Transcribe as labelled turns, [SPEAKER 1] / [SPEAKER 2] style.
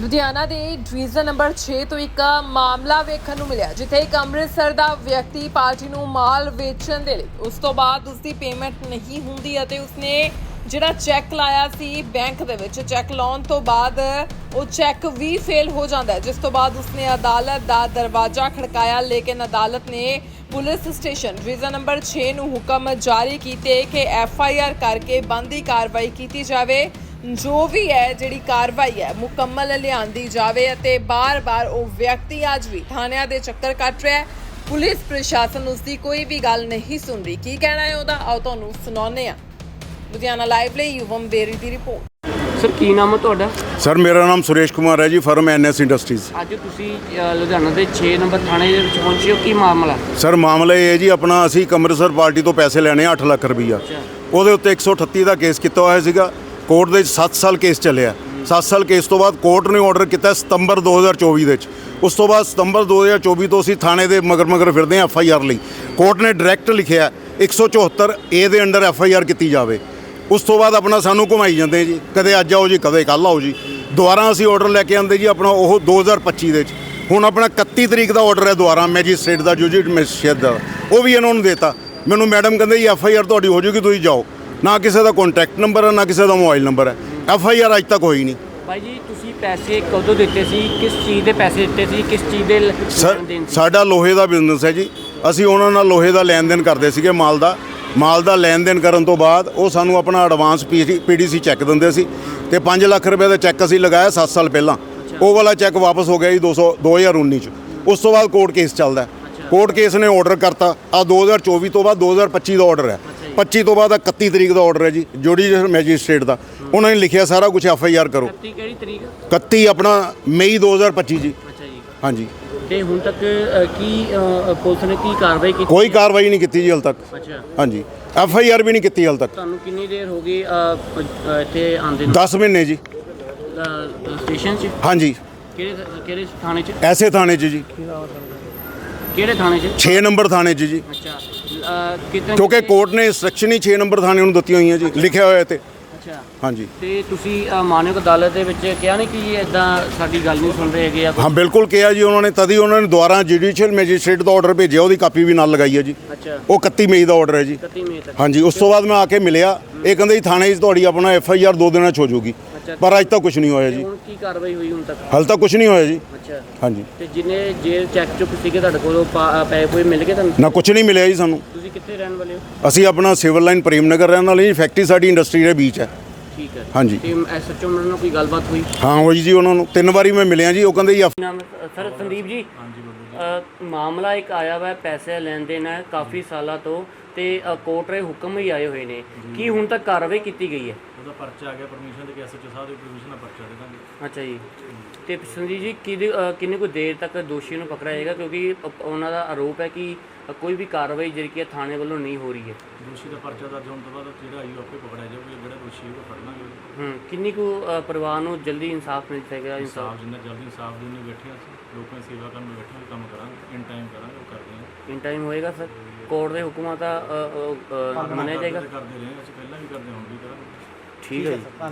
[SPEAKER 1] ਲੁਧਿਆਣਾ ਦੇ division number 6 ਤੋਂ ਇੱਕ ਮਾਮਲਾ ਵੇਖਣ ਨੂੰ ਮਿਲਿਆ ਜਿੱਥੇ ਇੱਕ ਅੰਮ੍ਰਿਤਸਰ ਦਾ ਵਿਅਕਤੀ ਪਾਰਟੀ ਨੂੰ ਮਾਲ ਵੇਚਣ ਦੇ ਲਈ ਉਸ ਤੋਂ ਬਾਅਦ ਉਸਦੀ ਪੇਮੈਂਟ ਨਹੀਂ ਹੁੰਦੀ ਅਤੇ ਉਸਨੇ ਜਿਹੜਾ ਚੈੱਕ ਲਾਇਆ ਸੀ ਬੈਂਕ ਦੇ ਵਿੱਚ ਚੈੱਕ ਲਾਉਣ ਤੋਂ ਬਾਅਦ ਉਹ ਚੈੱਕ ਵੀ ਫੇਲ ਹੋ ਜਾਂਦਾ ਹੈ ਜਿਸ ਤੋਂ ਬਾਅਦ ਉਸਨੇ ਅਦਾਲਤ ਦਾ ਦਰਵਾਜ਼ਾ ਖੜਕਾਇਆ ਲੇਕਿਨ ਅਦਾਲਤ ਨੇ ਪੁਲਿਸ ਸਟੇਸ਼ਨ ਡਿਵੀਜ਼ਨ ਨੰਬਰ 6 ਨੂੰ ਹੁਕਮ ਜਾਰੀ ਕੀਤੇ ਕਿ FIR ਕਰਕੇ ਬੰਦੀ ਕਾਰਵਾਈ ਕੀਤੀ ਜਾਵੇ ਜੋ ਵੀ ਹੈ ਜਿਹੜੀ ਕਾਰਵਾਈ ਹੈ ਮੁਕੰਮਲ ਲਿਆਂਦੀ ਜਾਵੇ ਅਤੇ ਬਾਰ-ਬਾਰ ਉਹ ਵਿਅਕਤੀ ਅੱਜ ਵੀ ਥਾਣਿਆਂ ਦੇ ਚੱਕਰ ਕੱਟ ਰਿਹਾ ਹੈ। ਪੁਲਿਸ ਪ੍ਰਸ਼ਾਸਨ ਉਸ ਦੀ ਕੋਈ ਵੀ ਗੱਲ ਨਹੀਂ ਸੁਣਦੀ। ਕੀ ਕਹਿਣਾ ਹੈ ਉਹਦਾ ਆਓ ਤੁਹਾਨੂੰ ਸੁਣਾਉਂਦੇ ਹਾਂ। ਲੁਧਿਆਣਾ ਲਾਈਵ ਲਈ ਯੁਵਮ ਬੇਰੀ ਦੀ ਰਿਪੋਰਟ।
[SPEAKER 2] ਸਰ ਕੀ ਨਾਮ ਹੈ ਤੁਹਾਡਾ?
[SPEAKER 3] ਸਰ ਮੇਰਾ ਨਾਮ ਸੁਰੇਸ਼ ਕੁਮਾਰ ਹੈ ਜੀ, ਫਰਮ NS ਇੰਡਸਟਰੀਜ਼।
[SPEAKER 2] ਅੱਜ ਤੁਸੀਂ ਲੁਧਿਆਣਾ ਦੇ 6 ਨੰਬਰ ਥਾਣੇ ਦੇ ਵਿੱਚ ਪਹੁੰਚੇ ਹੋ, ਕੀ ਮਾਮਲਾ?
[SPEAKER 3] ਸਰ ਮਾਮਲਾ ਇਹ ਹੈ ਜੀ, ਆਪਣਾ ਅਸੀਂ ਇੱਕ ਅੰਮ੍ਰਿਤਸਰ ਪਾਰਟੀ ਤੋਂ ਪੈਸੇ ਲੈਣੇ 8 ਲੱਖ ਰੁਪਈਆ। ਉਹਦੇ ਉੱਤੇ 138 ਦਾ ਕੇਸ ਕੀਤਾ ਹੋਇਆ ਸੀਗਾ। ਕੋਰਟ ਦੇ 7 ਸਾਲ ਕੇਸ ਚੱਲਿਆ। 7 ਸਾਲ ਕੇਸ ਤੋਂ ਬਾਅਦ ਕੋਰਟ ਨੇ ਆਰਡਰ ਕੀਤਾ ਸਤੰਬਰ 2024 ਦੇ ਵਿੱਚ। ਉਸ ਤੋਂ ਬਾਅਦ ਸਤੰਬਰ 2024 ਤੋਂ ਅਸੀਂ ਥਾਣੇ ਦੇ ਮਗਰ ਫਿਰਦੇ ਹਾਂ FIR ਲਈ। ਕੋਰਟ ਨੇ ਡਾਇਰੈਕਟ ਲਿਖਿਆ 174A ਦੇ ਅੰਡਰ FIR ਕੀਤੀ ਜਾਵੇ। ਉਸ ਤੋਂ ਬਾਅਦ ਆਪਣਾ ਸਾਨੂੰ ਘੁਮਾਈ ਜਾਂਦੇ ਜੀ, ਕਦੇ ਅੱਜ ਆਓ ਜੀ, ਕਦੇ ਕੱਲ੍ਹ ਆਓ ਜੀ। ਦੁਬਾਰਾ ਅਸੀਂ ਆਰਡਰ ਲੈ ਕੇ ਆਉਂਦੇ ਜੀ ਆਪਣਾ ਉਹ 2025 ਦੇ ਵਿੱਚ। ਹੁਣ ਆਪਣਾ 31 ਤਰੀਕ ਦਾ ਆਰਡਰ ਹੈ ਦੁਬਾਰਾ ਮੈਜਿਸਟ੍ਰੇਟ ਦਾ, ਜੁਡੀਸ਼ੀਅਲ ਮੈਜਿਸਟ੍ਰੇਟ ਦਾ, ਉਹ ਵੀ ਇਹਨਾਂ ਨੂੰ ਦੇਤਾ। ਮੈਨੂੰ ਮੈਡਮ ਕਹਿੰਦੇ ਜੀ FIR ਤੁਹਾਡੀ ਹੋ ਜੂਗੀ, ਤੁਸੀਂ ਜਾਓ। ਨਾ ਕਿਸੇ ਦਾ ਕੰਟੈਕਟ ਨੰਬਰ ਹੈ, ਨਾ ਕਿਸੇ ਦਾ ਮੋਬਾਈਲ ਨੰਬਰ ਹੈ। FIR ਅੱਜ ਤੱਕ ਹੋਈ ਨਹੀਂ।
[SPEAKER 2] ਭਾਈ ਜੀ ਤੁਸੀਂ ਪੈਸੇ ਕਦੋਂ ਦਿੱਤੇ ਸੀ? ਕਿਸ ਚੀਜ਼ ਦੇ ਪੈਸੇ ਦਿੱਤੇ ਸੀ? ਕਿਸ ਚੀਜ਼ ਦੇ
[SPEAKER 3] ਸਰ ਸਾਡਾ ਲੋਹੇ ਦਾ ਬਿਜ਼ਨਸ ਹੈ ਜੀ। ਅਸੀਂ ਉਹਨਾਂ ਨਾਲ ਲੋਹੇ ਦਾ ਲੈਣ ਦੇਣ ਕਰਦੇ ਸੀਗੇ, ਮਾਲ ਦਾ ਲੈਣ ਦੇਣ ਕਰਨ ਤੋਂ ਬਾਅਦ ਉਹ ਸਾਨੂੰ ਆਪਣਾ ਐਡਵਾਂਸ PDC ਚੈੱਕ ਦਿੰਦੇ ਸੀ ਤੇ 5 ਲੱਖ ਰੁਪਏ ਦਾ ਚੈੱਕ ਅਸੀਂ ਲਗਾਇਆ 7 ਸਾਲ ਪਹਿਲਾਂ। ਉਹ ਵਾਲਾ ਚੈੱਕ ਵਾਪਸ ਹੋ ਗਿਆ ਜੀ 2019 ਚ। ਉਸ ਤੋਂ ਬਾਅਦ ਕੋਰਟ ਕੇਸ ਚੱਲਦਾ। ਕੋਰਟ ਕੇਸ ਨੇ ਆਰਡਰ ਕਰਤਾ ਆ 2024 ਤੋਂ ਬਾਅਦ 2025 ਦਾ ਆਰਡਰ ਹੈ। 25 ਤੋਂ ਬਾਅਦ 31 ਤਰੀਕ ਦਾ ਆਰਡਰ ਹੈ ਜੀ ਜੁਡੀਸ਼ੀਅਲ ਮੈਜਿਸਟ੍ਰੇਟ ਦਾ। ਉਹਨਾਂ ਨੇ ਲਿਖਿਆ ਸਾਰਾ ਕੁਝ FIR ਕਰੋ।
[SPEAKER 2] 31 ਕਿਹੜੀ ਤਰੀਕ?
[SPEAKER 3] 31 ਆਪਣਾ ਮਈ 2025 ਜੀ।
[SPEAKER 2] ਅੱਛਾ ਜੀ।
[SPEAKER 3] ਹਾਂਜੀ।
[SPEAKER 2] ਤੇ ਹੁਣ ਤੱਕ ਕੀ ਪੁਲਿਸ ਨੇ ਕੀ ਕਾਰਵਾਈ ਕੀਤੀ?
[SPEAKER 3] ਕੋਈ ਕਾਰਵਾਈ ਨਹੀਂ ਕੀਤੀ ਜੀ ਹਾਲ ਤੱਕ।
[SPEAKER 2] ਅੱਛਾ।
[SPEAKER 3] ਹਾਂਜੀ, FIR ਵੀ ਨਹੀਂ ਕੀਤੀ ਹਾਲ ਤੱਕ।
[SPEAKER 2] ਤੁਹਾਨੂੰ ਕਿੰਨੀ ਦੇਰ ਹੋ ਗਈ ਇੱਥੇ ਆਉਂਦੇ ਨੂੰ?
[SPEAKER 3] 10 ਮਹੀਨੇ ਜੀ।
[SPEAKER 2] ਸਟੇਸ਼ਨ 'ਚ?
[SPEAKER 3] ਹਾਂਜੀ।
[SPEAKER 2] ਕਿਹੜੇ ਥਾਣੇ 'ਚ?
[SPEAKER 3] ਐਸੇ ਥਾਣੇ 'ਚ ਜੀ।
[SPEAKER 2] ਕਿਹੜੇ ਥਾਣੇ 'ਚ?
[SPEAKER 3] 6 ਨੰਬਰ ਥਾਣੇ 'ਚ ਜੀ।
[SPEAKER 2] ਅੱਛਾ। ਕਿਤੇ
[SPEAKER 3] ਕਿਉਂਕਿ ਕੋਰਟ ਨੇ ਇੰਸਟਰਕਸ਼ਨ ਹੀ 6 ਨੰਬਰ ਥਾਣੇ ਨੂੰ ਦਿੱਤੀਆਂ ਹੋਈਆਂ ਜੀ, ਲਿਖਿਆ ਹੋਇਆ ਤੇ।
[SPEAKER 2] ਅੱਛਾ।
[SPEAKER 3] ਹਾਂਜੀ।
[SPEAKER 2] ਤੇ ਤੁਸੀਂ ਮਾਨਯੋਗ ਅਦਾਲਤ ਦੇ ਵਿੱਚ ਕਿਹਾ ਨਹੀਂ ਕਿ ਇਦਾਂ ਸਾਡੀ ਗੱਲ ਨਹੀਂ ਸੁਣ ਰਹੇ ਹੈਗੇ ਆ?
[SPEAKER 3] ਹਾਂ ਬਿਲਕੁਲ ਕਿਹਾ ਜੀ ਉਹਨਾਂ ਨੇ, ਤਦ ਹੀ ਉਹਨਾਂ ਨੇ ਦੁਬਾਰਾ ਜੁਡੀਸ਼ੀਅਲ ਮੈਜਿਸਟ੍ਰੇਟ ਦਾ ਆਰਡਰ ਭੇਜਿਆ, ਉਹਦੀ ਕਾਪੀ ਵੀ ਨਾਲ ਲਗਾਈ ਹੈ ਜੀ।
[SPEAKER 2] ਅੱਛਾ।
[SPEAKER 3] ਉਹ 31 ਮਈ ਦਾ ਆਰਡਰ ਹੈ ਜੀ।
[SPEAKER 2] 31 ਮਈ ਤੱਕ?
[SPEAKER 3] ਹਾਂਜੀ। ਉਸ ਤੋਂ ਬਾਅਦ ਮੈਂ ਆ ਕੇ ਮਿਲਿਆ, ਇਹ ਕਹਿੰਦੇ ਜੀ ਥਾਣੇ 'ਚ ਤੁਹਾਡੀ ਆਪਣਾ FIR 2 ਦਿਨਾਂ 'ਚ ਹੋ ਜਾਊਗੀ, ਪਰ ਅੱਜ ਤੱਕ ਕੁਝ ਨਹੀਂ ਹੋਇਆ ਜੀ।
[SPEAKER 2] ਹੁਣ ਕੀ ਕਾਰਵਾਈ ਹੋਈ ਹੁਣ ਤੱਕ?
[SPEAKER 3] ਹਾਲੇ ਤੱਕ ਕੁਝ ਨਹੀਂ ਹੋਇਆ ਜੀ।
[SPEAKER 2] ਅੱਛਾ।
[SPEAKER 3] ਹਾਂਜੀ।
[SPEAKER 2] ਤੇ ਜਿਹਨੇ ਜੇਲ੍ਹ ਚੈੱਕ ਚੁੱਕ ਸੀਗੇ ਤੁਹਾਡੇ ਕੋਲੋਂ ਪੈਸੇ ਕੋਈ ਮਿਲ ਗਏ ਤੁਹਾਨੂੰ?
[SPEAKER 3] ਨਾ ਕੁਝ ਨਹੀਂ ਮਿਲਿਆ ਜੀ ਸਾਨੂੰ।
[SPEAKER 2] ਤੁਸੀਂ ਕਿੱਥੇ ਰਹਿਣ ਵਾਲੇ ਹੋ?
[SPEAKER 3] ਅਸੀਂ ਆਪਣਾ ਸਿਵਲ ਲਾਈਨ ਪ੍ਰੇਮ ਨਗਰ ਰਹਿਣ ਵਾਲੇ ਜੀ। ਫੈਕਟਰੀ ਸਾਡੀ ਇੰਡਸਟਰੀ ਦੇ ਵਿੱਚ ਹੈ।
[SPEAKER 2] ਠੀਕ ਹੈ।
[SPEAKER 3] ਹਾਂਜੀ।
[SPEAKER 2] ਤੇ SHO ਨਾਲ ਕੋਈ ਗੱਲਬਾਤ ਹੋਈ?
[SPEAKER 3] ਹਾਂ ਹੋਈ ਜੀ, ਉਹਨਾਂ ਨੂੰ 3 ਵਾਰੀ ਮੈਂ ਮਿਲਿਆ ਜੀ। ਉਹ ਕਹਿੰਦੇ ਜੀ
[SPEAKER 2] ਨਾਮ ਸਰ ਸੰਦੀਪ ਜੀ। ਹਾਂਜੀ। ਮਾਮਲਾ ਇੱਕ ਆਇਆ ਵਾ, ਪੈਸੇ ਲੈਣ ਦੇਣ ਹੈ ਕਾਫੀ ਸਾਲਾਂ ਤੋਂ ਤੇ ਕੋਰਟ ਦੇ ਹੁਕਮ ਹੀ ਆਏ ਹੋਏ ਨੇ। ਕੀ ਹੁਣ ਤੱਕ ਕਾਰਵਾਈ ਕੀਤੀ ਗਈ ਹੈ?
[SPEAKER 4] ਉਹਦਾ ਪਰਚਾ ਆ ਗਿਆ ਪਰਮਿਸ਼ਨ ਤੇ SHO ਸਾਹਿਬ ਦੀ ਪਰਮਿਸ਼ਨ ਨਾਲ ਪਰਚਾ ਦੇ ਦਾਂਗੇ।
[SPEAKER 2] ਅੱਛਾ ਜੀ। ਤੇ ਸੰਦੀਪ ਜੀ ਕਿੰਨੀ ਕੁ ਦੇਰ ਤੱਕ ਦੋਸ਼ੀ ਨੂੰ ਪਕੜਿਆ ਜਾਏਗਾ, ਕਿਉਂਕਿ ਉਹਨਾਂ ਦਾ ਆਰੋਪ ਹੈ ਕਿ ਕੋਈ ਵੀ ਕਾਰਵਾਈ ਜਿਹੜੀ ਕਿ ਥਾਣੇ ਵੱਲੋਂ ਨਹੀਂ ਹੋ ਰਹੀ ਹੈ?
[SPEAKER 4] ਦੋਸ਼ੀ ਦਾ ਪਰਚਾ ਦਰਜ ਹੋਣ ਤੋਂ ਬਾਅਦ ਜਿਹੜਾ ਆਈ ਆਪੇ ਪਕੜਿਆ ਜਾਊਗਾ, ਜਿਹੜਾ ਦੋਸ਼ੀ ਉਹ ਫੜ ਲਾਂਗੇ।
[SPEAKER 2] ਕਿੰਨੀ ਕੁ ਪਰਿਵਾਰ ਨੂੰ ਜਲਦੀ ਇਨਸਾਫ ਮਿਲ ਜਾਏਗਾ?
[SPEAKER 4] ਇਨਸਾਫ ਜਿੰਨਾ ਜਲਦੀ ਇਨਸਾਫ ਦੇਣ ਨੂੰ ਬੈਠੇ ਅਸੀਂ, ਲੋਕਾਂ ਦੀ ਸੇਵਾ ਕਰਨ ਨੂੰ ਬੈਠੇ ਹਾਂ, ਕੰਮ ਕਰਾਂਗੇ, ਇਨ ਟਾਈਮ ਕਰਾਂਗੇ, ਉਹ ਕਰਦੇ ਹਾਂ।
[SPEAKER 2] ਇਨ ਟਾਈਮ ਹੋਏਗਾ ਸਰ? ਕੋਰਟ ਦੇ ਹੁਕਮਾਂ ਦਾ ਮੰਨਿਆ ਜਾਏਗਾ?
[SPEAKER 4] ਕਰਦੇ ਰਹੇ ਅਸੀਂ, ਪਹਿਲਾਂ ਵੀ ਕਰਦੇ, ਹੁਣ ਵੀ ਕਰਾਂਗੇ।
[SPEAKER 2] ਠੀਕ ਹੈ ਜੀ।